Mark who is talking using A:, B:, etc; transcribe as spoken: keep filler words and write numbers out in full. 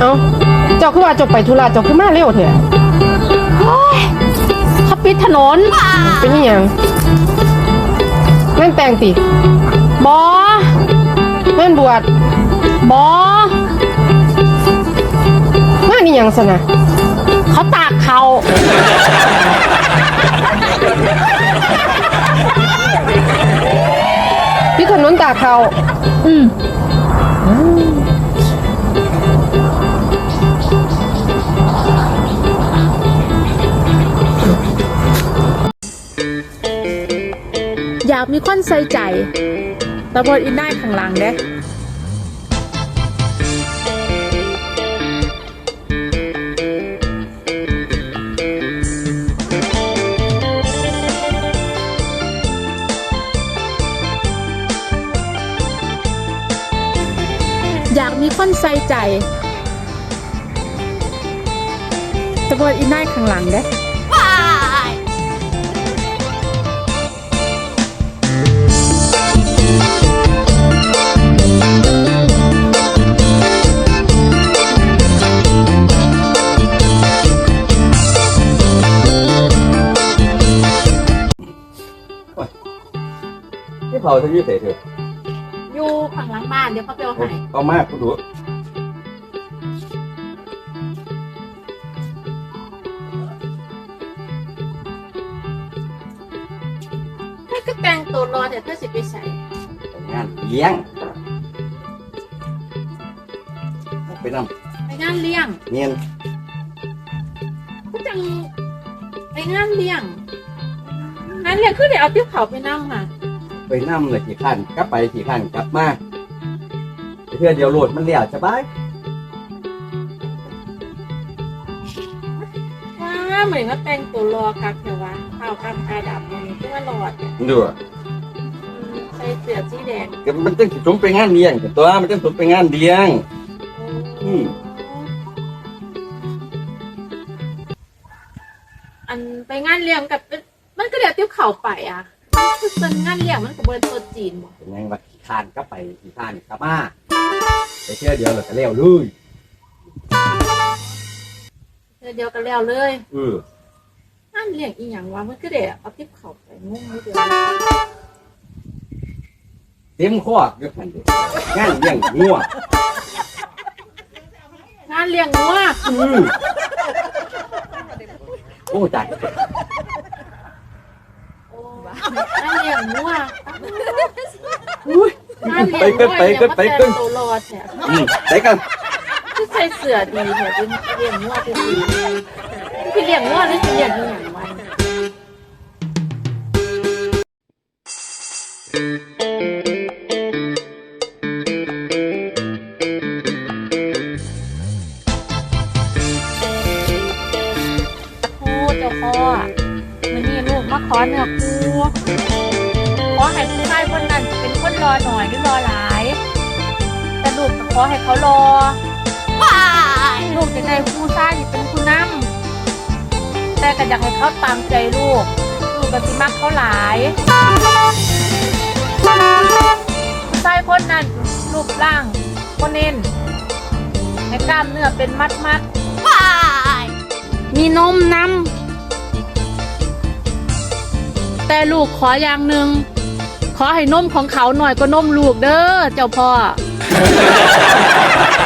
A: เอ้าเจ้าคือว่าเจ้าไปธุระเจ้าคือมาเร็วเถอะ
B: โอ้ยเขาปิดถนน
A: เป็นยังไงงานแต่งติ
B: บอง
A: านบวช
B: บอง
A: านนี่ยังสนะ
B: เขาตากเขา
A: พี่ขนุนตากเขา
B: อืมอยากมีคนใส่ใจตะบนอินได้ข้างหลังเด้อยากมีคนใส่ใจตะบนอินได้ข้างหลังเด้
C: ที่เผาจะยืดเสร็จเถอะ
B: อยู่ข้างหลังบ้านเดี๋ยวเขาไปเอาให้
C: เอามากคุณดู
B: ถ้าก็แต่งตัวรอแต่เธอสิไปใส่
C: งานเลี้ยงไปน
B: ำไปงานเลี้ยง
C: เนียน
B: ก็จังไปงานเลี้ยงงานเลี้ยงคือเดี๋ยวเอาติ๊บเขาไปนั่งค่ะ
C: ไปนำเลยกี่ขั้นกลับไปกี่ขั้นกลับมาเพื่อเดียวโหลดมันเลี้ยวสบาย
B: ว้าเหมือนว่าแต่งตัวรอครับแต่ว่าข้าวกับกาดับมันที่ว่าหลอด
C: ดู
B: ใส่เสื้อสีแดง
C: มันต้องสมไปงานเลี้ยงตัวมันต้องสมไปงานเลี้ยงอืม
B: อันไปงานเลี้ยงกับมันก็เดี๋ยวติ๊บเข่าไปอ่ะคือเป็นงานเลี้ยงมันกับเบอร์ตัวจีนบ่
C: เป็นไงว่าขี้ข้านกลับไปขี้ข้านกลับมาไปเชื่อเดียวเลยก็เลี้ยวเลย
B: เดี๋ยวเดียวกันแล้วเลย
C: เออ
B: นั่นเลี้ยงอีหยังวะมันก็เดี๋ยวเอาติ๊บเข่าไปงงไม่เดียว
C: เต็มข้อเยอะขนาดนี้งานเลี้ยงงัว
B: งานเลี้ยงงัว
C: อือโอ้จัด
B: งานเลี้ยงงัว
C: ไปกันไปกันไปกัน
B: ตัวรอดเนี่ย
C: ไปกัน
B: คือใส่เสื้อดีเนี่ยเป็นเลี้ยงงัวเป็นดีคือเลี้ยงงัวหรือคือเลี้ยงอีหยังวันเจ้าพ่อมันนี่ลูกมาขอเนื้อคู่ขอให้ผู้ชายคนนั้นเป็นคนรอหน่อยหรือรอหลายแต่ลูกก็ขอให้เขารอลูกจะได้ผู้ชายที่เป็นผู้นำแต่ก็อยากให้เขาตามใจลูกลูกก็สิมักเขาหลายผู้ชายคนนั้นรูปร่างคนเน้นให้กล้ามเนื้อเป็นมัดมัดมีนมนำแต่ลูกขออย่างหนึ่งขอให้นมของเขาหน่อยก็นมลูกเด้อเจ้าพ่อ